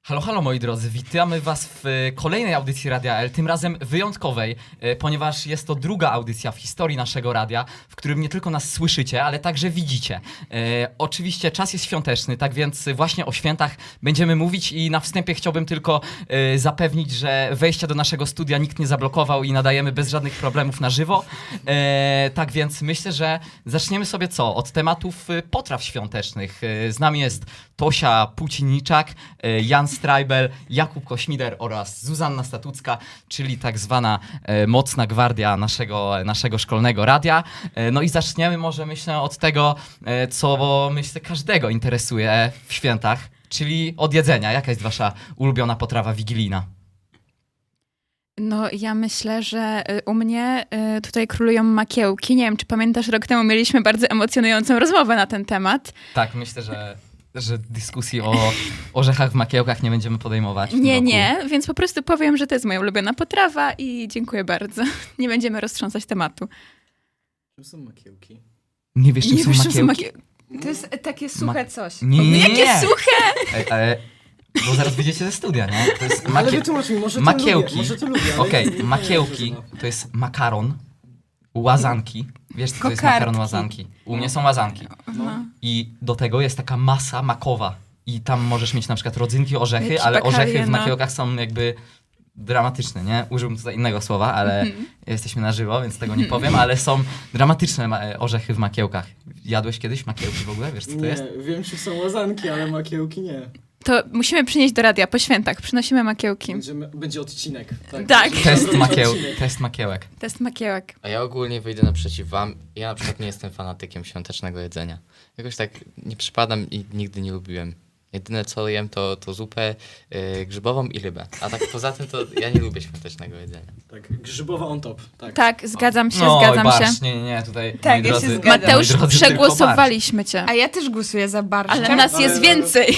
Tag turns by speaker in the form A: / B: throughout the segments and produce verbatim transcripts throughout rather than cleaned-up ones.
A: Halo, halo moi drodzy, witamy was w e, kolejnej audycji Radia L, tym razem wyjątkowej, e, ponieważ jest to druga audycja w historii naszego radia, w którym nie tylko nas słyszycie, ale także widzicie. E, oczywiście czas jest świąteczny, tak więc właśnie o świętach będziemy mówić i na wstępie chciałbym tylko e, zapewnić, że wejścia do naszego studia nikt nie zablokował i nadajemy bez żadnych problemów na żywo. E, tak więc myślę, że zaczniemy sobie co? Od tematów e, potraw świątecznych. E, z nami jest Tosia Puciniczak, e, Jan Strajbel, Jakub Kośmider oraz Zuzanna Statucka, czyli tak zwana e, mocna gwardia naszego, naszego szkolnego radia. E, no i zaczniemy może myślę od tego, e, co myślę każdego interesuje w świętach, czyli od jedzenia. Jaka jest wasza ulubiona potrawa wigilijna?
B: No ja myślę, że y, u mnie y, tutaj królują makiełki. Nie wiem, czy pamiętasz, rok temu mieliśmy bardzo emocjonującą rozmowę na ten temat.
A: Tak, myślę, że, że dyskusji o orzechach w makiełkach nie będziemy podejmować. w tym
B: Nie,
A: roku.
B: nie, więc po prostu powiem, że to jest moja ulubiona potrawa i dziękuję bardzo. Nie będziemy roztrząsać tematu.
C: Czym są makiełki?
A: Nie wiesz, czym
B: Nie
A: są
B: wiesz, czym
A: makiełki?
B: są makie...
D: To jest takie suche coś.
A: Nie, nie, nie.
B: Jakie suche!
A: Ej, ale, bo zaraz wyjdziecie ze studia, nie? To jest
C: Ale
A: makie...
C: wytłumacz mi, może to
A: Makiełki.
C: lubię, może to lubię, ale
A: Okej,
C: nie- nie
A: makiełki
C: wiem,
A: to jest makaron, łazanki. Wiesz, co to jest
D: Kokardki.
A: makaron, łazanki? U mnie są łazanki.
C: No.
A: I do tego jest taka masa makowa. I tam możesz mieć na przykład rodzynki, orzechy,
B: Jakieś
A: ale
B: bakalie,
A: orzechy w
B: no.
A: makiełkach są jakby dramatyczne, nie? Użyłbym tutaj innego słowa, ale
B: Mhm.
A: jesteśmy na żywo, więc tego nie powiem, ale są dramatyczne ma- orzechy w makiełkach. Jadłeś kiedyś makiełki w ogóle? Wiesz, co to
C: Nie,
A: jest?
C: wiem, czy są łazanki, ale makiełki nie.
B: To musimy przynieść do radia po świętach. Przynosimy makiełki.
C: Będziemy, będzie odcinek. Tak.
B: Tak.
C: Będziemy
A: Test,
C: robić
A: makieł...
C: odcinek.
A: Test makiełek.
B: Test makiełek.
E: A ja ogólnie wyjdę naprzeciw wam. Ja na przykład nie jestem fanatykiem świątecznego jedzenia. Jakoś tak nie przypadam i nigdy nie lubiłem. Jedyne co jem to, to zupę yy, grzybową i rybę. A tak poza tym to ja nie lubię świątecznego jedzenia.
C: Tak, grzybowa on top. Tak.
B: Tak, zgadzam się,
A: No,
B: zgadzam
A: barszcz,
B: się.
A: nie, nie, nie, tutaj
D: Tak,
A: moi
D: ja się
A: drodzy,
D: zgadzam.
B: Mateusz,
A: moi drodzy, tylko
B: przegłosowaliśmy cię.
D: A ja też głosuję za barszczem.
B: Ale nas
C: Ale-
B: jest
C: ale-
B: więcej.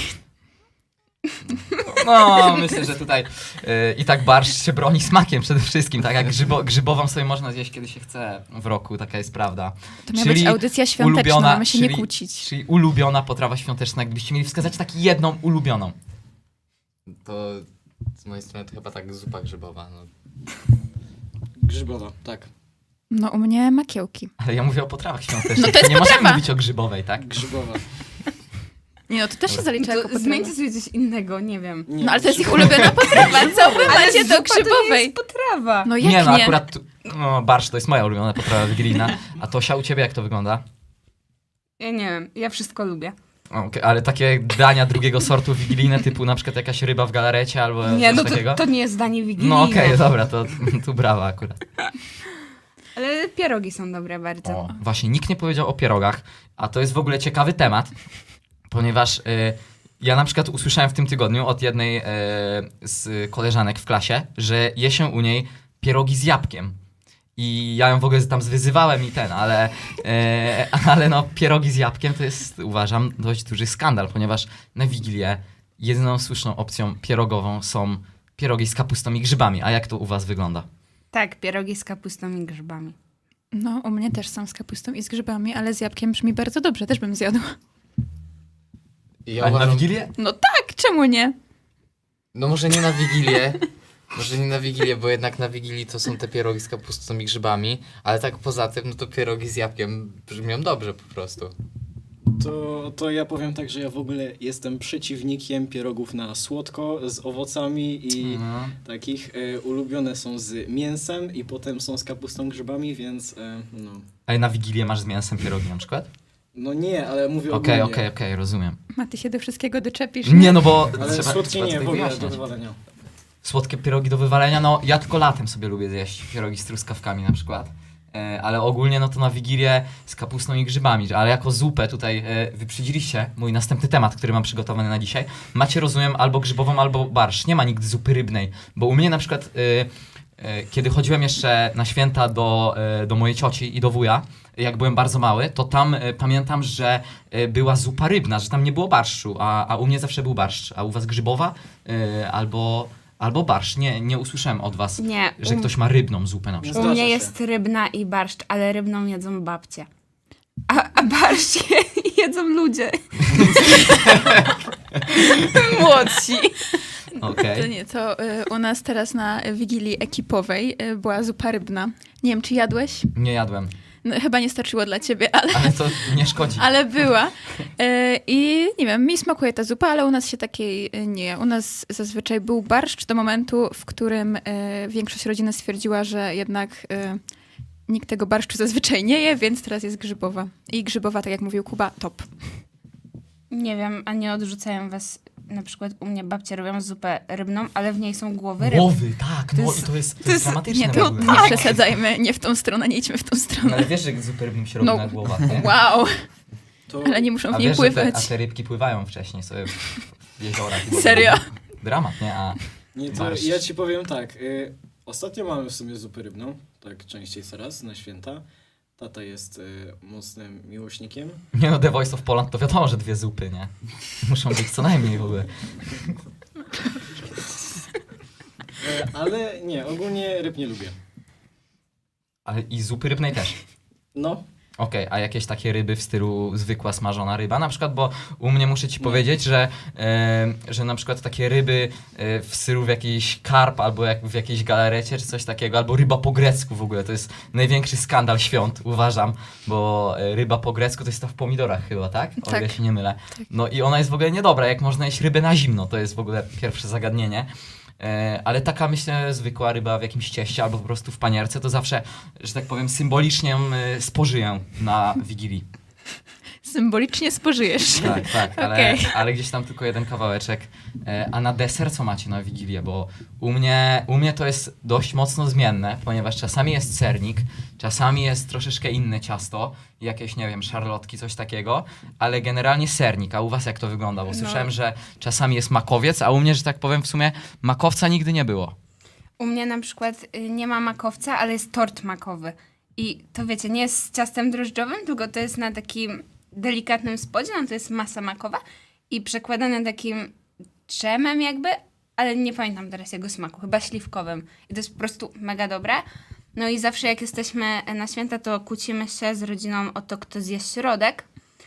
A: No, myślę, że tutaj y, i tak barszcz się broni smakiem przede wszystkim, tak jak grzybo, grzybową sobie można zjeść, kiedy się chce w roku, taka jest prawda.
B: To miała
A: Czyli
B: być audycja świąteczna,
A: ulubiona-
B: mamy się nie
A: czyli-
B: kłócić.
A: Czyli ulubiona potrawa świąteczna, gdybyście mieli wskazać tak jedną ulubioną.
E: To z mojej strony to chyba tak zupa grzybowa. No.
C: Grzybowa, tak.
B: No u mnie makiełki.
A: Ale ja mówię o potrawach świątecznych,
B: No to jest
A: nie możemy
B: potrawa.
A: mówić o grzybowej, tak?
C: Grzybowa.
B: Nie no, to też się zalicza jako
D: To
B: potrawa.
D: zmieńcie sobie coś innego, nie wiem.
C: Nie,
B: No ale to jest ich
C: grzybowa.
B: ulubiona potrawa, co wy
D: Ale
B: macie do
D: zupa to nie
B: grzybowej?
D: jest potrawa.
B: No jak
A: nie, no
B: nie?
A: akurat tu, no, barszcz to jest moja ulubiona potrawa wigilijna, a Tosia, u ciebie jak to wygląda?
D: Ja nie wiem, ja wszystko lubię.
A: Okej, ale takie dania drugiego sortu wigilijne, typu na przykład jakaś ryba w galarecie albo
D: Nie,
A: coś
D: no
A: takiego?
D: to, to nie jest danie wigilijne.
A: No okej, dobra, to tu brawa akurat.
D: Ale pierogi są dobre bardzo.
A: O, właśnie, nikt nie powiedział o pierogach, a to jest w ogóle ciekawy temat, ponieważ y, ja na przykład usłyszałem w tym tygodniu od jednej y, z koleżanek w klasie, że je się u niej pierogi z jabłkiem. I ja ją w ogóle tam zwyzywałem i ten, ale, e, ale no pierogi z jabłkiem to jest, uważam, dość duży skandal, ponieważ na Wigilię jedyną słuszną opcją pierogową są pierogi z kapustą i grzybami. A jak to u was wygląda?
D: Tak, pierogi z kapustą i grzybami.
B: No u mnie też są z kapustą i z grzybami, ale z jabłkiem brzmi bardzo dobrze, też bym zjadła.
E: I ja
A: A na
E: uważam,
A: Wigilię?
B: No tak, czemu nie?
E: no może nie na Wigilię, może nie na Wigilię, bo jednak na Wigilii to są te pierogi z kapustą i grzybami, ale tak poza tym, no to pierogi z jabłkiem brzmią dobrze po prostu.
C: To, to ja powiem tak, że ja w ogóle jestem przeciwnikiem pierogów na słodko, z owocami i
A: Mhm.
C: takich. E, ulubione są z mięsem i potem są z kapustą, grzybami, więc e, no.
A: A na Wigilię masz z mięsem pierogi na przykład?
C: No nie, ale mówię
A: Okej,
C: ogólnie.
A: okej, okej, rozumiem.
B: Ma ty się do wszystkiego doczepisz.
A: Nie, no bo
C: Ale
A: trzeba,
C: słodkie
A: trzeba
C: nie,
A: tutaj
C: w ogóle do
A: wyjaśniać.
C: wywalenia.
A: Słodkie pierogi do wywalenia, no ja tylko latem sobie lubię zjeść pierogi z truskawkami na przykład. E, ale ogólnie no to na Wigilię z kapustą i grzybami, ale jako zupę tutaj e, wyprzedziliście mój następny temat, który mam przygotowany na dzisiaj. Macie, rozumiem, albo grzybową, albo barszcz. Nie ma nigdy zupy rybnej, bo u mnie na przykład e, e, kiedy chodziłem jeszcze na święta do, e, do mojej cioci i do wuja, jak byłem bardzo mały, to tam e, pamiętam, że e, była zupa rybna, że tam nie było barszczu, a, a u mnie zawsze był barszcz. A u was grzybowa e, albo... Albo barszcz. Nie, nie usłyszałem od was,
D: Nie,
A: że
D: u,
A: ktoś ma rybną zupę na
C: Nie
A: przykład.
D: u mnie
C: Zdarza się.
D: jest rybna i barszcz, ale rybną jedzą babcie. A, a barszcz jedzą ludzie. Młodsi.
A: Okej.
B: To nie, to y, u nas teraz na Wigilii Ekipowej y, była zupa rybna. Nie wiem, czy jadłeś?
A: Nie jadłem,
B: No, chyba nie starczyło dla ciebie, ale,
A: ale to nie szkodzi.
B: ale była. Y, I nie wiem, mi smakuje ta zupa, ale u nas się takiej y, nie je. U nas zazwyczaj był barszcz do momentu, w którym y, większość rodziny stwierdziła, że jednak y, nikt tego barszczu zazwyczaj nie je, więc teraz jest grzybowa. I grzybowa, tak jak mówił Kuba, top.
D: Nie wiem, a nie odrzucają was, na przykład u mnie babcia robią zupę rybną, ale w niej są głowy ryb.
A: Głowy, tak, no
D: jest-
A: i to jest, to
D: to
A: jest
D: jest-
A: dramatyczne
B: Nie,
A: w
B: to
A: ogóle.
B: nie przesadzajmy, nie w tą stronę, nie idźmy w tą
A: No,
B: stronę.
A: ale wiesz, że zupy rybnym się robi
B: No.
A: na głowach, nie?
B: Wow,
C: To
B: ale nie muszą
A: A
B: w niej
A: wiesz, że te,
B: pływać.
A: a te rybki pływają wcześniej sobie w jeziorach.
B: Serio?
A: Dramat, nie? A
C: Nie, to
A: barszcz.
C: ja ci powiem tak. Y, ostatnio mamy w sumie zupę rybną, tak częściej coraz, na święta. Tata jest y, mocnym miłośnikiem.
A: Nie no, The Voice of Poland to wiadomo, że dwie zupy, nie? Muszą być co najmniej w ogóle.
C: Y, ale nie, ogólnie ryb nie lubię.
A: Ale i zupy rybnej też.
C: No,
A: Okej, a jakieś takie ryby w stylu zwykła smażona ryba na przykład, bo u mnie muszę ci powiedzieć, że, e, że na przykład takie ryby e, w stylu w jakiejś karp albo jak w jakiejś galarecie czy coś takiego, albo ryba po grecku w ogóle, to jest największy skandal świąt, uważam, bo e, ryba po grecku to jest ta w pomidorach chyba, tak? O ile
B: Tak.
A: się nie mylę. No i ona jest w ogóle niedobra, jak można jeść rybę na zimno, to jest w ogóle pierwsze zagadnienie. E, Ale taka, myślę, zwykła ryba w jakimś cieście albo po prostu w panierce, to zawsze, że tak powiem, symbolicznie ją e, spożyję na Wigilii.
B: Symbolicznie spożyjesz.
A: Tak, tak, ale,
B: Okej.
A: ale gdzieś tam tylko jeden kawałeczek. E, A na deser co macie na Wigilię? Bo u mnie, u mnie to jest dość mocno zmienne, ponieważ czasami jest sernik, czasami jest troszeczkę inne ciasto, jakieś, nie wiem, szarlotki, coś takiego, ale generalnie sernik. A u was jak to wygląda? Bo
D: No.
A: słyszałem, że czasami jest makowiec, a u mnie, że tak powiem, w sumie makowca nigdy nie było.
D: U mnie na przykład y, nie ma makowca, ale jest tort makowy. I to wiecie, nie jest z ciastem drożdżowym, tylko to jest na takim delikatnym spodzie, no to jest masa makowa i przekładane takim dżemem jakby, ale nie pamiętam teraz jego smaku, chyba śliwkowym. I to jest po prostu mega dobre. No i zawsze jak jesteśmy na święta, to kłócimy się z rodziną o to, kto zje środek.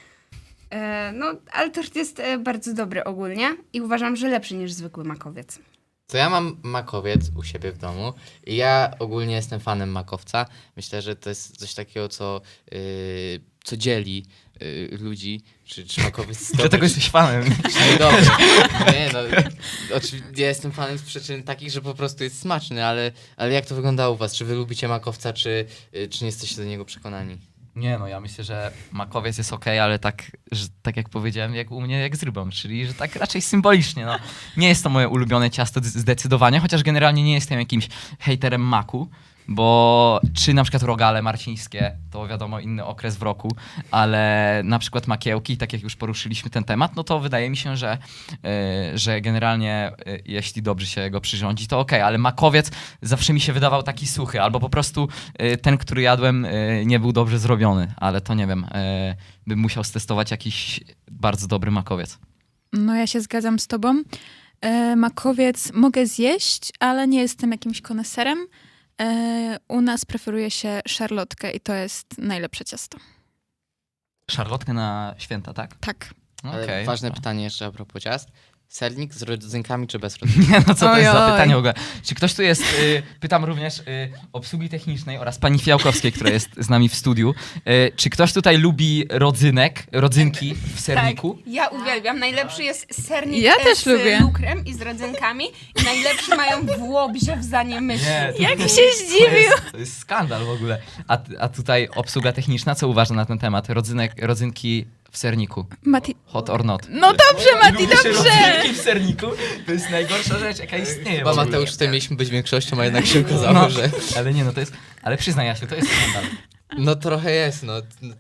D: E, No, ale tort jest e, bardzo dobry ogólnie i uważam, że lepszy niż zwykły makowiec.
E: To ja mam makowiec u siebie w domu i ja ogólnie jestem fanem makowca. Myślę, że to jest coś takiego, co, yy, co dzieli yy, ludzi, czy, czy makowiec to
A: Dlatego jesteś fanem.
E: czy dobry. Nie no, oczywiście ja jestem fanem z przyczyn takich, że po prostu jest smaczny, ale, ale jak to wygląda u was? Czy wy lubicie makowca, czy, yy, czy nie jesteście do niego przekonani?
A: Nie no, ja myślę, że makowiec jest okej, ale tak, że, tak jak powiedziałem, jak u mnie, jak z rybą, czyli że tak raczej symbolicznie. No. Nie jest to moje ulubione ciasto z- zdecydowanie, chociaż generalnie nie jestem jakimś hejterem maku, bo czy na przykład rogale marcińskie, to wiadomo inny okres w roku, ale na przykład makiełki, tak jak już poruszyliśmy ten temat, no to wydaje mi się, że, yy, że generalnie yy, jeśli dobrze się go przyrządzi, to okej, ale makowiec zawsze mi się wydawał taki suchy, albo po prostu yy, ten, który jadłem, yy, nie był dobrze zrobiony, ale to nie wiem, yy, bym musiał stestować jakiś bardzo dobry makowiec.
B: No ja się zgadzam z tobą. E, makowiec mogę zjeść, ale nie jestem jakimś koneserem. E, u nas preferuje się szarlotkę i to jest najlepsze ciasto.
A: Szarlotkę na święta, tak?
B: Tak.
E: Ale
A: Okej.
E: ważne pytanie jeszcze a propos ciast. Sernik z rodzynkami czy bez rodzynek?
A: Nie, no co to jest za
B: Ojoj.
A: pytanie w ogóle? Czy ktoś tu jest, y, pytam również y, obsługi technicznej oraz pani Fiałkowskiej, która jest z nami w studiu. Y, czy ktoś tutaj lubi rodzynek, rodzynki w serniku?
D: Tak, ja uwielbiam. Najlepszy jest sernik
B: Ja
D: e,
B: też
D: z
B: lubię.
D: lukrem i z rodzynkami. I najlepszy mają w Łobzie w Zaniemyślu.
A: to-
B: Jak
A: to-
B: się
A: To
B: zdziwił!
A: jest, to jest skandal w ogóle. A, a tutaj obsługa techniczna, co uważa na ten temat? Rodzynek, rodzynki w serniku.
B: Mati...
A: Hot or not?
B: No dobrze, Mati,
A: Lubisz
B: dobrze!
A: rodzynki w serniku? To jest najgorsza rzecz, jaka istnieje. w
E: Chyba
A: ogóle.
E: Mateusz, tutaj mieliśmy być większością, a jednak się okazało,
A: No,
E: że...
A: ale nie, no to jest, ale przyznaj Jasiu, to jest skandal.
E: No trochę jest, no. No,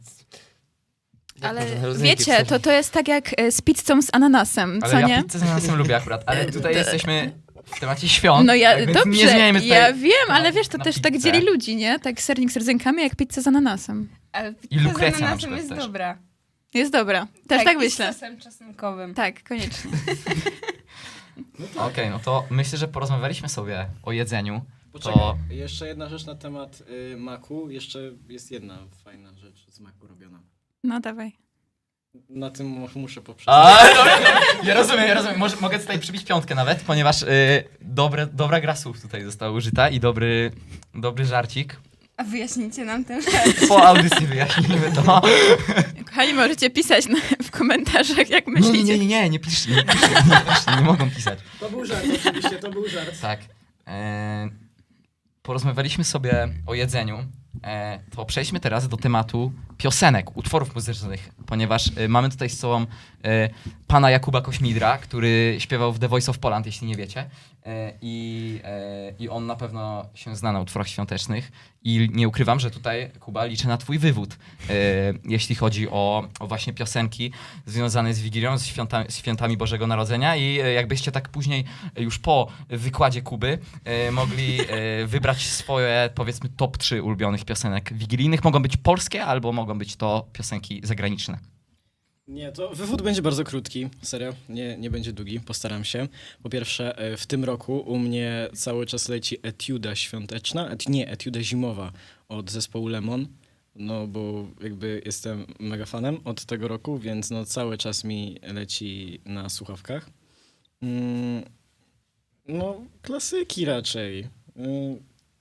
E: jak
B: Ale
E: można rodzynki w
B: wiecie,
E: serniku?
B: to, to jest tak jak e, z pizzą z ananasem,
A: Ale
B: co
A: ja
B: nie?
A: pizzę z ananasem lubię akurat, ale tutaj jesteśmy w temacie świąt.
B: No ja,
A: tak więc nie
B: dobrze,
A: zmieniajmy tutaj
B: ja wiem, ale
A: na-
B: wiesz, to
A: na
B: też tak
A: pizzę.
B: dzieli ludzi, nie? Tak sernik z rodzynkami, jak pizza z ananasem.
D: Ale
A: I
D: pizza z
A: lukrecja na
D: ananasem
A: przykład
D: jest
A: też.
D: dobra.
B: Jest dobra, też tak,
D: i
B: myślę.
D: z sosem czosnkowym.
B: Tak, koniecznie.
A: Okej, no to myślę, że porozmawialiśmy sobie o jedzeniu.
C: poczekaj,
A: To
C: jeszcze jedna rzecz na temat y, maku. Jeszcze jest jedna fajna rzecz z maku robiona.
B: No dawaj.
C: Na tym mu- muszę poprzeć.
A: A, dobra, ja rozumiem, ja rozumiem. Może, mogę tutaj przybić piątkę nawet, ponieważ y, dobre, dobra gra słów tutaj została użyta i dobry, dobry żarcik.
D: A wyjaśnijcie nam ten żart.
A: Po audycji wyjaśnimy to.
B: Kochani, możecie pisać na, w komentarzach, jak
A: Nie,
B: myślicie.
A: nie, nie, nie, nie piszcie, nie piszcie, nie, piszcie, nie mogą pisać.
C: To był żart, oczywiście, to był żart.
A: Tak. E, porozmawialiśmy sobie o jedzeniu. E, to przejdźmy teraz do tematu piosenek, utworów muzycznych, ponieważ e, mamy tutaj z sobą e, pana Jakuba Kośmidra, który śpiewał w The Voice of Poland, jeśli nie wiecie. E, i, e, I on na pewno się zna na utworach świątecznych. I nie ukrywam, że tutaj, Kuba, liczę na twój wywód, e, jeśli chodzi o, o właśnie piosenki związane z Wigilią, z, świąta, z świętami Bożego Narodzenia. I e, jakbyście tak później, e, już po wykładzie Kuby, e, mogli e, wybrać swoje, powiedzmy, top trzy ulubionych piosenek wigilijnych. Mogą być polskie, albo mogą być to piosenki zagraniczne.
C: Nie, to wywód będzie bardzo krótki, serio, nie, nie będzie długi, postaram się. Po pierwsze, e, w tym roku u mnie cały czas leci etiuda świąteczna, et, nie, etiuda zimowa od zespołu Lemon, no bo jakby jestem mega fanem od tego roku, więc no cały czas mi leci na słuchawkach. Mm, no, klasyki raczej. Mm,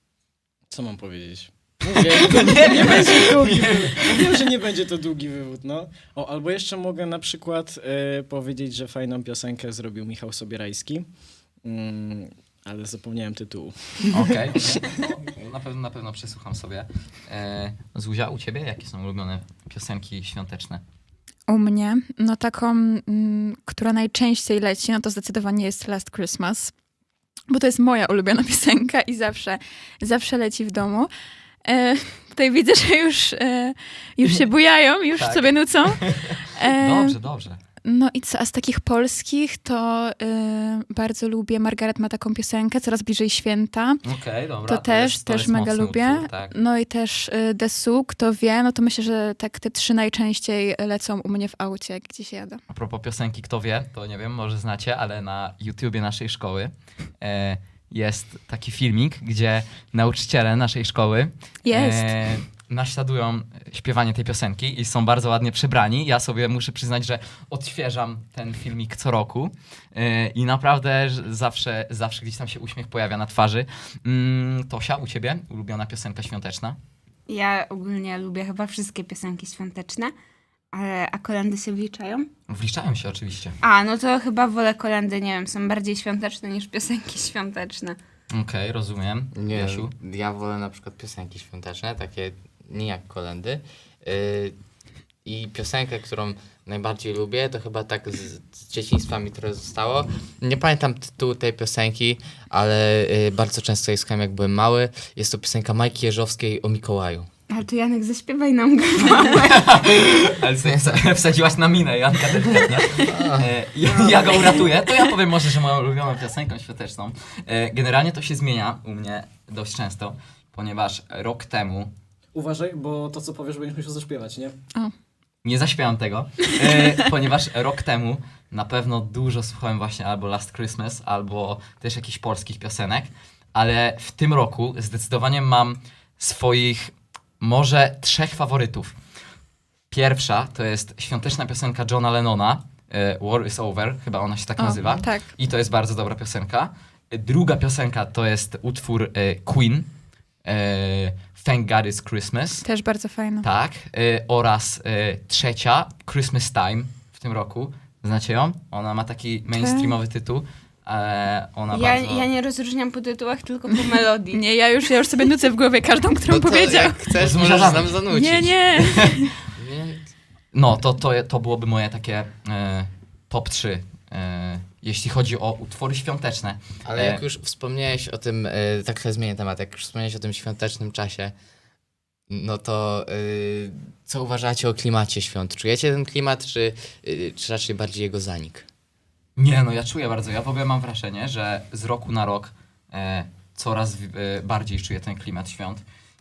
C: co mam powiedzieć? Mówię, to nie, nie będzie długi wywód. Wiem, że nie będzie to długi wywód, no. O, albo jeszcze mogę na przykład e, powiedzieć, że fajną piosenkę zrobił Michał Sobierajski, mm, ale zapomniałem tytułu.
A: Okej. Okay. Na pewno, na pewno przesłucham sobie. E, Zuzia, u ciebie jakie są ulubione piosenki świąteczne?
B: U mnie, no taką, mm, która najczęściej leci, no to zdecydowanie jest Last Christmas, bo to jest moja ulubiona piosenka i zawsze, zawsze leci w domu. E, tutaj widzę, że już, e, już się bujają, już
A: Tak.
B: sobie nucą. E,
A: Dobrze, dobrze.
B: No i co, a z takich polskich to e, bardzo lubię, Margaret ma taką piosenkę, Coraz bliżej święta.
A: Okej, dobra.
B: To też,
A: jest, to
B: też
A: jest
B: mega
A: mocny
B: lubię.
A: Utwór, tak.
B: No i też y, Desu, kto wie, no to myślę, że tak te trzy najczęściej lecą u mnie w aucie, jak gdzieś jadę.
A: A propos piosenki, kto wie, to nie wiem, może znacie, ale na YouTubie naszej szkoły e, jest taki filmik, gdzie nauczyciele naszej szkoły
B: Jest.
A: e, naśladują śpiewanie tej piosenki i są bardzo ładnie przebrani. Ja sobie muszę przyznać, że odświeżam ten filmik co roku e, i naprawdę że zawsze, zawsze gdzieś tam się uśmiech pojawia na twarzy. Mm, Tosia, u ciebie ulubiona piosenka świąteczna?
D: Ja ogólnie lubię chyba wszystkie piosenki świąteczne, ale a kolendy się wliczają?
A: Wliczają się oczywiście.
D: A, no to chyba wolę kolendy, nie wiem, są bardziej świąteczne niż piosenki świąteczne.
A: Okej, rozumiem.
E: Nie,
A: Jasiu?
E: ja wolę na przykład piosenki świąteczne, takie nie jak kolendy. Yy, I piosenkę, którą najbardziej lubię, to chyba tak z, z dzieciństwa mi trochę zostało. Nie pamiętam tytułu tej piosenki, ale yy, bardzo często jej słuchałem, jak byłem mały. Jest to piosenka Majki Jeżowskiej o Mikołaju.
D: Ale to Janek, zaśpiewaj nam go.
A: Ale sobie wsa- wsadziłaś na minę, Janka delikatnie. E, ja, ja go uratuję. To ja powiem może, że moją ulubioną piosenką świąteczną. E, generalnie to się zmienia u mnie dość często, ponieważ rok temu
C: Uważaj, bo to co powiesz będziesz musiał zaśpiewać, nie?
A: nie zaśpiewam tego, e, ponieważ rok temu na pewno dużo słuchałem właśnie albo Last Christmas, albo też jakichś polskich piosenek, ale w tym roku zdecydowanie mam swoich może trzech faworytów. Pierwsza to jest świąteczna piosenka Johna Lennona, e, War is Over, chyba ona się tak
B: O,
A: nazywa.
B: tak.
A: I to jest bardzo dobra piosenka. E, Druga piosenka to jest utwór e, Queen, e, Thank God It's Christmas.
B: Też bardzo fajna.
A: Tak. E, oraz e, trzecia, Christmas Time w tym roku. Znacie ją? Ona ma taki mainstreamowy tytuł. E, ona
D: Ja,
A: bardzo...
D: ja nie rozróżniam po tytułach, tylko po melodii.
B: Nie, ja już, ja już sobie nucę w głowie każdą, którą
E: No to
B: powiedział.
E: jak chcesz,
A: To
E: możesz
A: zanuć.
E: nam zanucić.
B: Nie, nie.
E: Więc
A: No, to, to, to byłoby moje takie e, top trzy, e, jeśli chodzi o utwory świąteczne.
E: Ale
A: E,
E: jak już wspomniałeś o tym, e, tak trochę zmienię temat, jak już wspomniałeś o tym świątecznym czasie, no to e, co uważacie o klimacie świąt? Czujecie ten klimat, czy, e, czy raczej bardziej jego zanik?
A: Nie, no ja czuję bardzo. Ja w ogóle mam wrażenie, że z roku na rok e, coraz w, e, bardziej czuję ten klimat świąt.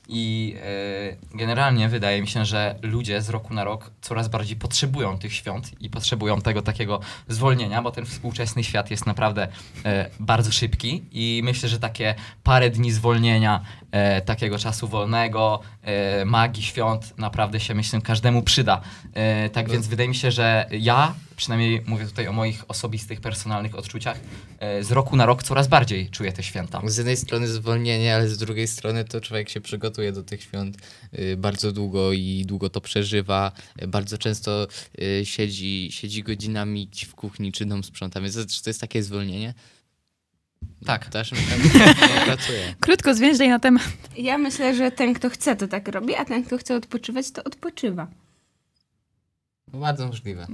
A: I e, generalnie wydaje mi się, że ludzie z roku na rok coraz bardziej potrzebują tych świąt i potrzebują tego takiego zwolnienia, bo ten współczesny świat jest naprawdę e, bardzo szybki i myślę, że takie parę dni zwolnienia, e, takiego czasu wolnego, e, magii świąt naprawdę się, myślę, każdemu przyda. E, tak więc wydaje mi się, że ja, przynajmniej mówię tutaj o moich osobistych, personalnych odczuciach, e, z roku na rok coraz bardziej czuję te święta.
E: Z jednej strony zwolnienie, ale z drugiej strony to człowiek się przygotuje do tych świąt y, bardzo długo i długo to przeżywa. Y, Bardzo często y, siedzi, siedzi godzinami gdzieś w kuchni czy dom sprząta, więc to, czy to jest takie zwolnienie?
A: Tak.
E: Też tam pracuje.
B: Krótko, zwięźlej na temat.
D: Ja myślę, że ten, kto chce, to tak robi, a ten, kto chce odpoczywać, to odpoczywa.
E: Bardzo możliwe.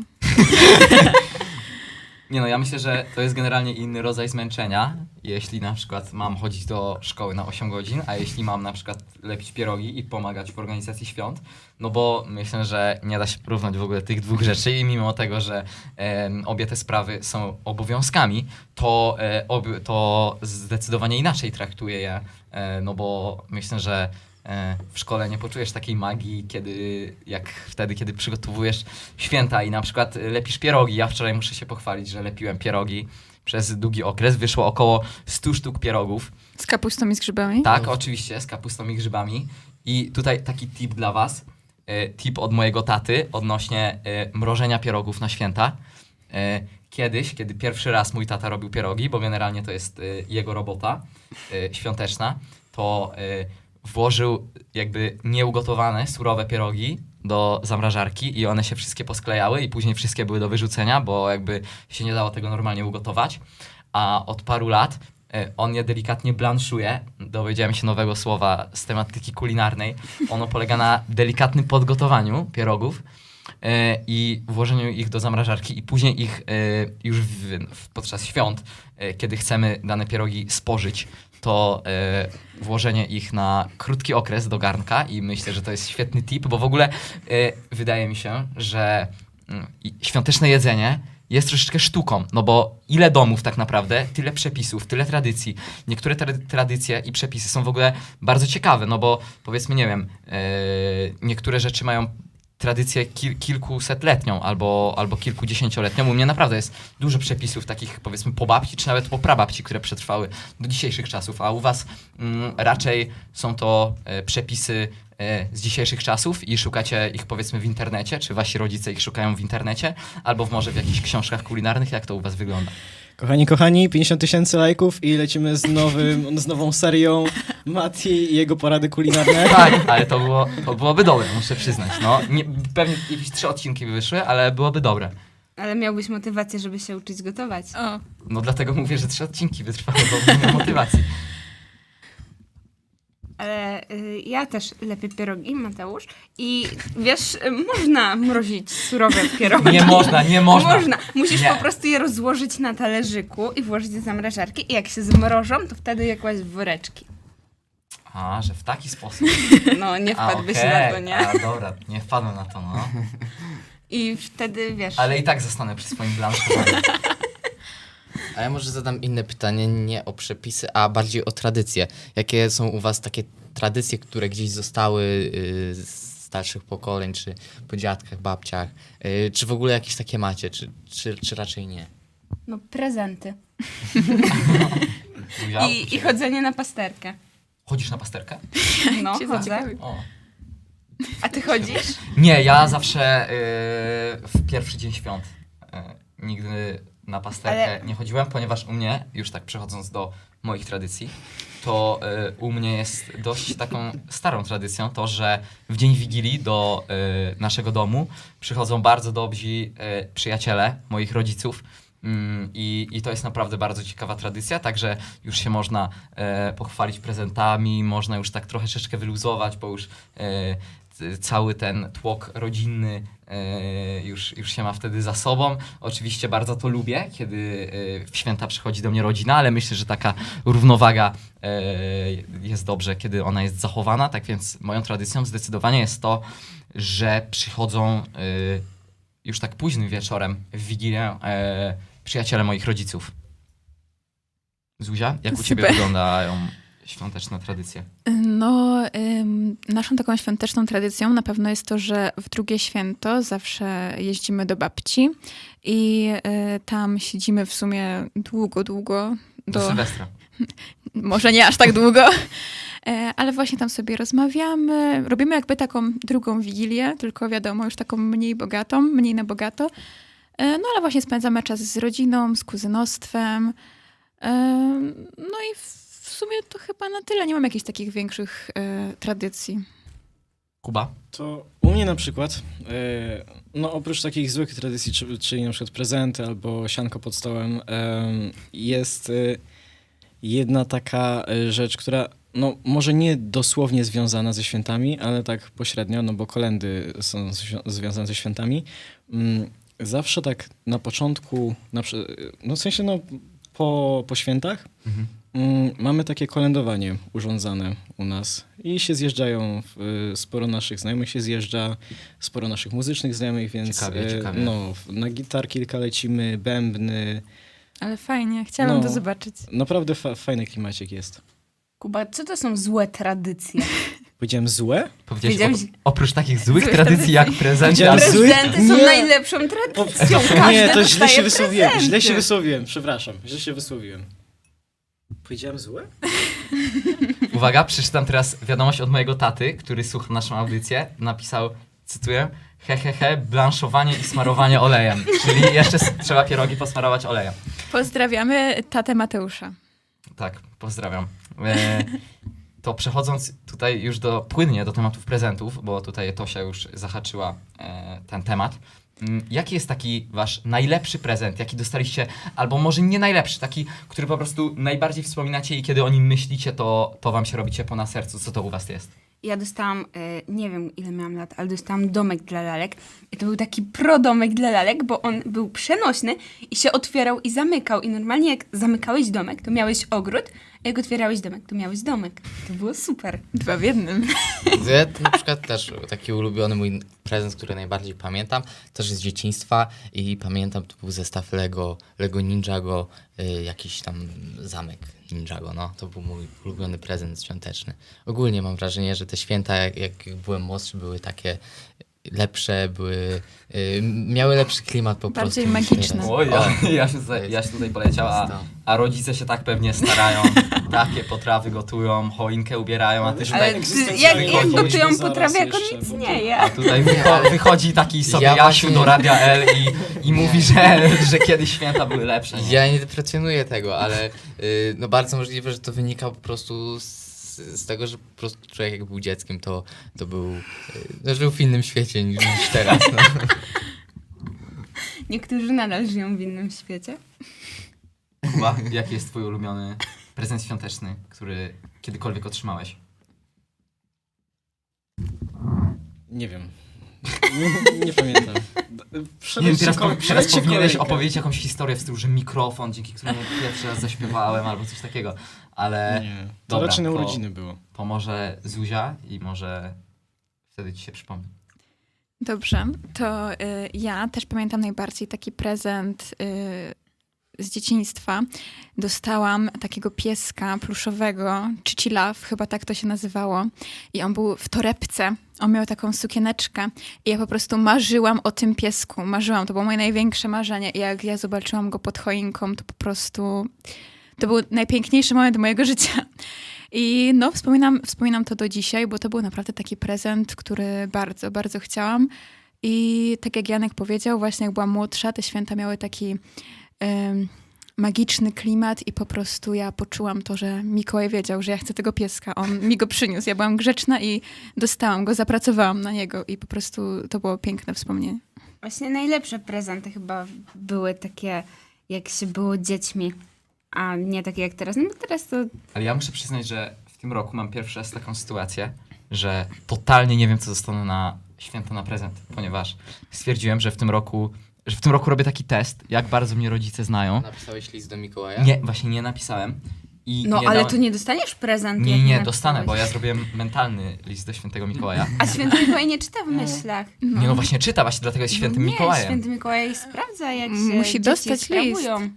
A: Nie no, ja myślę, że to jest generalnie inny rodzaj zmęczenia, jeśli na przykład mam chodzić do szkoły na osiem godzin, a jeśli mam na przykład lepić pierogi i pomagać w organizacji świąt, no bo myślę, że nie da się porównać w ogóle tych dwóch rzeczy i mimo tego, że e, obie te sprawy są obowiązkami, to, e, ob, to zdecydowanie inaczej traktuję je, e, no bo myślę, że e, w szkole nie poczujesz takiej magii, kiedy, jak wtedy, kiedy przygotowujesz święta i na przykład lepisz pierogi. Ja wczoraj muszę się pochwalić, że lepiłem pierogi przez długi okres. Wyszło około stu sztuk pierogów.
B: Z kapustą i z grzybami?
A: Tak, oczywiście, z kapustą i grzybami. I tutaj taki tip dla was. E, tip od mojego taty odnośnie e, mrożenia pierogów na święta. E, Kiedyś, kiedy pierwszy raz mój tata robił pierogi, bo generalnie to jest e, jego robota e, świąteczna, to e, włożył jakby nieugotowane, surowe pierogi do zamrażarki i one się wszystkie posklejały i później wszystkie były do wyrzucenia, bo jakby się nie dało tego normalnie ugotować. A od paru lat e, on je delikatnie blanszuje. Dowiedziałem się nowego słowa z tematyki kulinarnej. Ono polega na delikatnym podgotowaniu pierogów e, i włożeniu ich do zamrażarki i później ich e, już w, w, podczas świąt, e, kiedy chcemy dane pierogi spożyć, to e, włożenie ich na krótki okres do garnka i myślę, że to jest świetny tip, bo w ogóle e, wydaje mi się, że mm, i- świąteczne jedzenie jest troszeczkę sztuką, no bo ile domów tak naprawdę, tyle przepisów, tyle tradycji. Niektóre tra- tradycje i przepisy są w ogóle bardzo ciekawe, no bo powiedzmy, nie wiem, e, niektóre rzeczy mają tradycję kil- kilkusetletnią albo, albo kilkudziesięcioletnią. U mnie naprawdę jest dużo przepisów takich, powiedzmy, po babci czy nawet po prababci, które przetrwały do dzisiejszych czasów, a u was mm, raczej są to e, przepisy e, z dzisiejszych czasów i szukacie ich, powiedzmy, w internecie, czy wasi rodzice ich szukają w internecie, albo w, może w jakichś książkach kulinarnych. Jak to u was wygląda?
C: Kochani, kochani, pięćdziesiąt tysięcy lajków i lecimy z, nowym, z nową serią Mati i jego porady kulinarne.
A: Tak, ale to, było, to byłoby dobre, muszę przyznać. No, nie, pewnie jakieś trzy odcinki by wyszły, ale byłoby dobre.
D: Ale miałbyś motywację, żeby się uczyć gotować.
B: O,
A: No dlatego mówię, że trzy odcinki wytrwały, bo nie miał motywacji.
D: Ale y, ja też lepię pierogi, Mateusz. I wiesz, y, można mrozić surowe pierogi.
A: Nie można, nie można.
D: Można. Musisz
A: Nie.
D: po prostu je rozłożyć na talerzyku i włożyć do zamrażarki. I jak się zmrożą, to wtedy je kłaść w woreczki.
A: A, że w taki sposób.
D: No, nie
A: A,
D: wpadłbyś
A: okej.
D: na to, nie?
A: A, dobra, nie wpadłem na to, no.
D: I wtedy, wiesz...
A: Ale i tak zostanę przy swoim blanszowaniu.
E: A ja może zadam inne pytanie, nie o przepisy, a bardziej o tradycje. Jakie są u was takie tradycje, które gdzieś zostały y, z starszych pokoleń, czy po dziadkach, babciach? Y, czy w ogóle jakieś takie macie, czy, czy, czy raczej nie?
D: No, prezenty.
A: Zuzia, u
D: I, I
A: ciebie?
D: chodzenie na pasterkę.
A: Chodzisz na pasterkę?
D: No,
B: cię
D: chodzę.
B: zaciekawił.
A: O.
D: A ty chodzisz?
A: Nie, ja zawsze y, w pierwszy dzień świąt y, nigdy na pasterkę
D: Ale-
A: nie chodziłem, ponieważ u mnie, już tak przechodząc do moich tradycji, to y, u mnie jest dość taką starą tradycją to, że w dzień Wigilii do y, naszego domu przychodzą bardzo dobrzy y, przyjaciele moich rodziców. Mm, I, I to jest naprawdę bardzo ciekawa tradycja, także już się można e, pochwalić prezentami, można już tak troszeczkę wyluzować, bo już e, c- cały ten tłok rodzinny e, już, już się ma wtedy za sobą. Oczywiście bardzo to lubię, kiedy e, w święta przychodzi do mnie rodzina, ale myślę, że taka równowaga e, jest dobrze, kiedy ona jest zachowana. Tak więc moją tradycją zdecydowanie jest to, że przychodzą e, już tak późnym wieczorem w Wigilię e, przyjaciele moich rodziców. Zuzia, jak u ciebie
B: Super.
A: wyglądają świąteczne tradycje?
B: No, ym, naszą taką świąteczną tradycją na pewno jest to, że w drugie święto zawsze jeździmy do babci i y, tam siedzimy w sumie długo, długo.
A: Do,
B: Do,
A: Sylwestra.
B: może nie aż tak długo, e, ale właśnie tam sobie rozmawiamy. Robimy jakby taką drugą wigilię, tylko wiadomo, już taką mniej bogatą, mniej na bogato. E, no ale właśnie spędzamy czas z rodziną, z kuzynostwem. E, no i w w sumie to chyba na tyle. Nie mam jakichś takich większych e, tradycji.
A: Kuba?
C: To u mnie na przykład, e, no oprócz takich złych tradycji, czy- czyli na przykład prezenty albo sianko pod stołem, em, jest e, jedna taka e, rzecz, która no może nie dosłownie związana ze świętami, ale tak pośrednio, no bo kolędy są zwią- związane ze świętami. Mm, Zawsze tak na początku, na, prze- no w sensie no po, po świętach,
A: Mhm.
C: Mm, Mamy takie kolędowanie urządzane u nas i się zjeżdżają, y, sporo naszych znajomych się zjeżdża, sporo naszych muzycznych znajomych, więc
A: Ciekawie,
C: y,
A: ciekawie.
C: no, w- na gitar kilka lecimy, bębny,
B: Ale fajnie, chciałabym
C: No.
B: to zobaczyć.
C: naprawdę fa- fajny klimacik jest.
D: Kuba, co to są złe tradycje?
C: Powiedziałem złe?
A: Powiedziałeś
D: Wiedziałeś-
A: o, oprócz takich złych
B: Złych
A: tradycji
B: tradycji.
A: jak prezenty,
C: Powiedziałem
A: ale...
C: zły-
D: Prezenty są
C: Nie.
D: najlepszą tradycją. Każdy
C: Nie, to źle
D: dostaje
C: się wysłowiłem, źle się
D: prezenty.
C: wysłowiłem, przepraszam, źle się wysłowiłem. Powiedziałem złe?
A: Uwaga, przeczytam teraz wiadomość od mojego taty, który słucha naszą audycję. Napisał, cytuję, he he he, blanszowanie i smarowanie olejem. Czyli jeszcze s- trzeba pierogi posmarować olejem.
B: Pozdrawiamy tatę Mateusza.
A: Tak, pozdrawiam. E, to przechodząc tutaj już do, płynnie do tematów prezentów, bo tutaj Tosia już zahaczyła e, ten temat. Mm, Jaki jest taki wasz najlepszy prezent, jaki dostaliście, albo może nie najlepszy, taki, który po prostu najbardziej wspominacie i kiedy o nim myślicie, to, to wam się robi ciepło na sercu. Co to u was jest?
D: Ja dostałam, e, nie wiem ile miałam lat, ale dostałam domek dla lalek. I to był taki pro-domek dla lalek, bo on był przenośny i się otwierał i zamykał. I normalnie jak zamykałeś domek, to miałeś ogród, a jak otwierałeś domek, to miałeś domek. To było super.
B: Dwa w jednym.
E: Ja na przykład też taki ulubiony mój prezent, który najbardziej pamiętam, też z dzieciństwa i pamiętam, to był zestaw Lego, Lego Ninjago, y, jakiś tam zamek Ninjago, no. To był mój ulubiony prezent świąteczny. Ogólnie mam wrażenie, że te święta, jak, jak byłem młodszy, były takie lepsze, były, y, miały lepszy klimat po
B: Bardziej
E: prostu. niż
B: magiczne.
E: teraz.
A: Oj, ja,
E: O,
A: ja, się tutaj, ja się tutaj poleciał, a, a rodzice się tak pewnie starają, takie potrawy gotują, choinkę ubierają, a ty
C: Ale-
A: tutaj...
D: Ale ty,
C: egzystencjalnie
D: jak, jak
A: wychodzi.
D: gotują
C: Zaraz
D: potrawę, jako
C: jeszcze,
D: nic
C: bo-
D: nie je.
A: A tutaj wycho- wychodzi taki sobie
E: Ja
A: Jasiu
E: właśnie-
A: do Radia L i, i mówi, że, że kiedyś święta były lepsze. Nie?
E: Ja nie deprecjonuję tego, ale y, no bardzo możliwe, że to wynika po prostu z, z tego, że po prostu człowiek jak był dzieckiem, to, to był, y, no, żył w innym świecie niż, niż teraz. No.
D: Niektórzy nadal żyją w innym świecie.
A: Kuba, jaki jest twój ulubiony prezent świąteczny, który kiedykolwiek otrzymałeś?
C: Nie wiem. Nie, nie pamiętam.
A: Nie wiem,
C: Przeleci
A: teraz,
C: kole-
A: po, teraz
C: przeleci
A: powinieneś
C: kolejkę.
A: opowiedzieć jakąś historię w stylu, że mikrofon, dzięki któremu pierwszy raz zaśpiewałem albo coś takiego, ale
C: Nie, to
A: Dobra,
C: raczej na
A: to-
C: urodziny było.
A: pomoże Zuzia i może wtedy ci się przypomni.
B: Dobrze, to y, ja też pamiętam najbardziej taki prezent y, z dzieciństwa. Dostałam takiego pieska pluszowego, Chichi Love, chyba tak to się nazywało. I on był w torebce, on miał taką sukieneczkę i ja po prostu marzyłam o tym piesku. Marzyłam, to było moje największe marzenie. I jak ja zobaczyłam go pod choinką, to po prostu... To był najpiękniejszy moment mojego życia. I no, wspominam, wspominam to do dzisiaj, bo to był naprawdę taki prezent, który bardzo, bardzo chciałam. I tak jak Janek powiedział, właśnie jak byłam młodsza, te święta miały taki em, magiczny klimat i po prostu ja poczułam to, że Mikołaj wiedział, że ja chcę tego pieska. On mi go przyniósł. Ja byłam grzeczna i dostałam go, zapracowałam na niego i po prostu to było piękne wspomnienie.
D: Właśnie najlepsze prezenty chyba były takie, jak się było dziećmi, a nie takie jak teraz. No bo teraz to
A: Ale ja muszę przyznać, że w tym roku mam pierwszy raz taką sytuację, że totalnie nie wiem, co dostanę na święta na prezent, ponieważ stwierdziłem, że w tym roku, że w tym roku robię taki test, jak bardzo mnie rodzice znają.
E: Napisałeś list do Mikołaja?
A: Nie, właśnie nie napisałem. I
D: No,
A: nie
D: ale
A: dałem-
D: to nie dostaniesz prezentu.
A: Nie,
D: jak
A: nie,
D: napisałeś.
A: dostanę, bo ja zrobiłem mentalny list do świętego Mikołaja.
D: A święty Mikołaj nie czyta w myślach.
A: Nie, no właśnie czyta, właśnie dlatego jest świętym
D: nie,
A: Mikołajem.
D: święty Mikołaj sprawdza, jak się
B: Musi
D: dzieci
B: dostać
D: sprawują.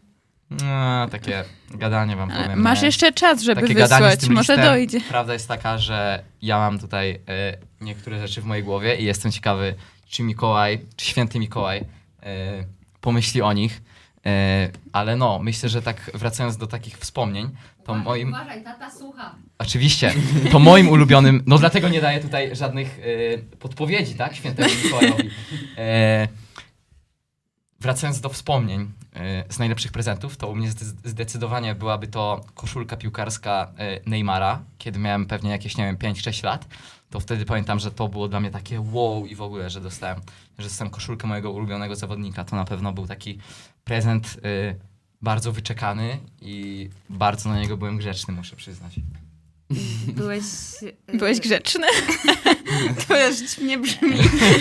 A: No, takie gadanie wam
B: Ale
A: powiem.
B: masz
A: nie?
B: jeszcze czas, żeby
A: Takie gadanie z
B: wysłać.
A: tym
B: Może
A: listem.
B: dojdzie.
A: Prawda jest taka, że ja mam tutaj e, niektóre rzeczy w mojej głowie i jestem ciekawy, czy Mikołaj, czy święty Mikołaj e, pomyśli o nich. E, ale no, myślę, że tak wracając do takich wspomnień, to moim...
F: Uważaj, tata słucha.
A: Oczywiście, to moim ulubionym, no dlatego nie daję tutaj żadnych e, podpowiedzi, tak, świętemu Mikołajowi. E, wracając do wspomnień e, z najlepszych prezentów, to u mnie zde- zdecydowanie byłaby to koszulka piłkarska e, Neymara, kiedy miałem pewnie jakieś, nie wiem, pięć sześć lat. To wtedy pamiętam, że to było dla mnie takie wow i w ogóle, że dostałem, że dostałem koszulkę mojego ulubionego zawodnika. To na pewno był taki prezent e, bardzo wyczekany i bardzo na niego byłem grzeczny, muszę przyznać.
D: Byłeś... y,
B: Byłeś grzeczny?
D: To już dziwnie brzmi.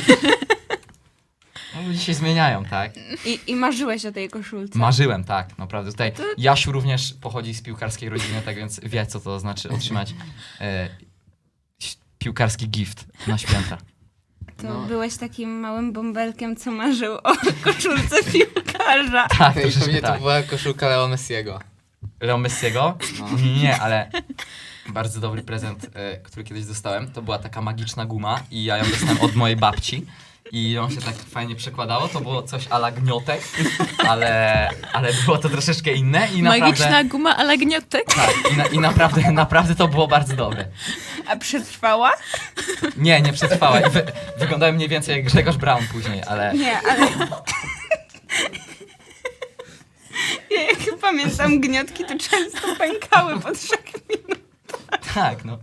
A: No, ludzie się zmieniają, tak?
D: I, I marzyłeś o tej koszulce.
A: Marzyłem, tak, naprawdę. Tutaj Jasiu również pochodzi z piłkarskiej rodziny, tak więc wie, co to znaczy otrzymać e, ś- piłkarski gift na święta.
D: To
E: No.
D: byłeś takim małym bąbelkiem, co marzył o koszulce piłkarza.
A: Tak,
E: I
A: troszeczkę
E: pewnie to
A: tak.
E: była koszulka Leo Messiego.
A: Leo Messiego?
E: No.
A: Nie, ale bardzo dobry prezent, e, który kiedyś dostałem. To była taka magiczna guma i ja ją dostałem od mojej babci. I ją się tak fajnie przekładało. To było coś a la gniotek, ale, ale było to troszeczkę inne i naprawdę...
B: Magiczna guma ale gniotek.
A: Tak, i, na, i naprawdę, naprawdę to było bardzo dobre.
D: A przetrwała?
A: Nie, nie przetrwała. I wy, wyglądałem mniej więcej jak Grzegorz Braun później, ale
D: Nie, ale... Ja jak pamiętam gniotki, to często pękały po trzech minutach.
A: tak, no.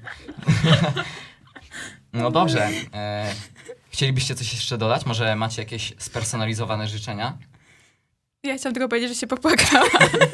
A: No dobrze. E, chcielibyście coś jeszcze dodać? Może macie jakieś spersonalizowane życzenia?
B: Ja chciałam tylko powiedzieć, że się popłakałam.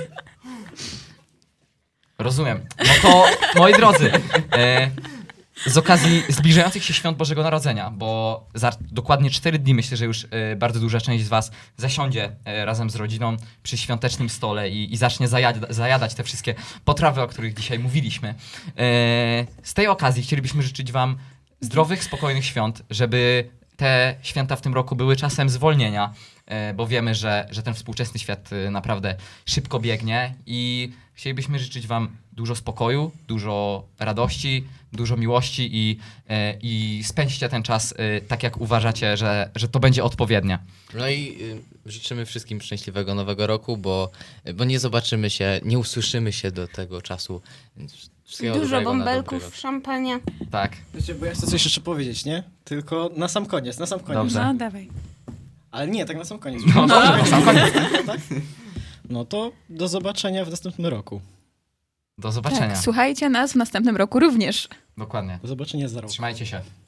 A: Rozumiem. No to, moi drodzy, e, z okazji zbliżających się świąt Bożego Narodzenia, bo za dokładnie cztery dni myślę, że już e, bardzo duża część z was zasiądzie e, razem z rodziną przy świątecznym stole i, i zacznie zajada, zajadać te wszystkie potrawy, o których dzisiaj mówiliśmy. E, z tej okazji chcielibyśmy życzyć wam zdrowych, spokojnych świąt, żeby te święta w tym roku były czasem zwolnienia, e, bo wiemy, że, że ten współczesny świat e, naprawdę szybko biegnie i chcielibyśmy życzyć wam dużo spokoju, dużo radości, dużo miłości i, e, i spędźcie ten czas e, tak, jak uważacie, że, że to będzie odpowiednie.
E: No i y, życzymy wszystkim szczęśliwego nowego roku, bo, bo nie zobaczymy się, nie usłyszymy się do tego czasu. Więc wszystkiego
D: Dużo
E: dobrego na dobry
D: bąbelków,
E: rok.
D: szampania.
A: Tak.
C: Wiecie, bo ja chcę coś jeszcze powiedzieć, nie? Tylko na sam koniec, na sam koniec.
A: Dobrze.
B: No, dawaj.
C: Ale nie, tak na sam koniec.
A: No dobrze, na sam koniec.
C: Tak? No to do zobaczenia w następnym roku.
A: Do zobaczenia.
B: Tak, słuchajcie nas w następnym roku również.
A: Dokładnie.
C: Do zobaczenia za rok.
A: Trzymajcie się.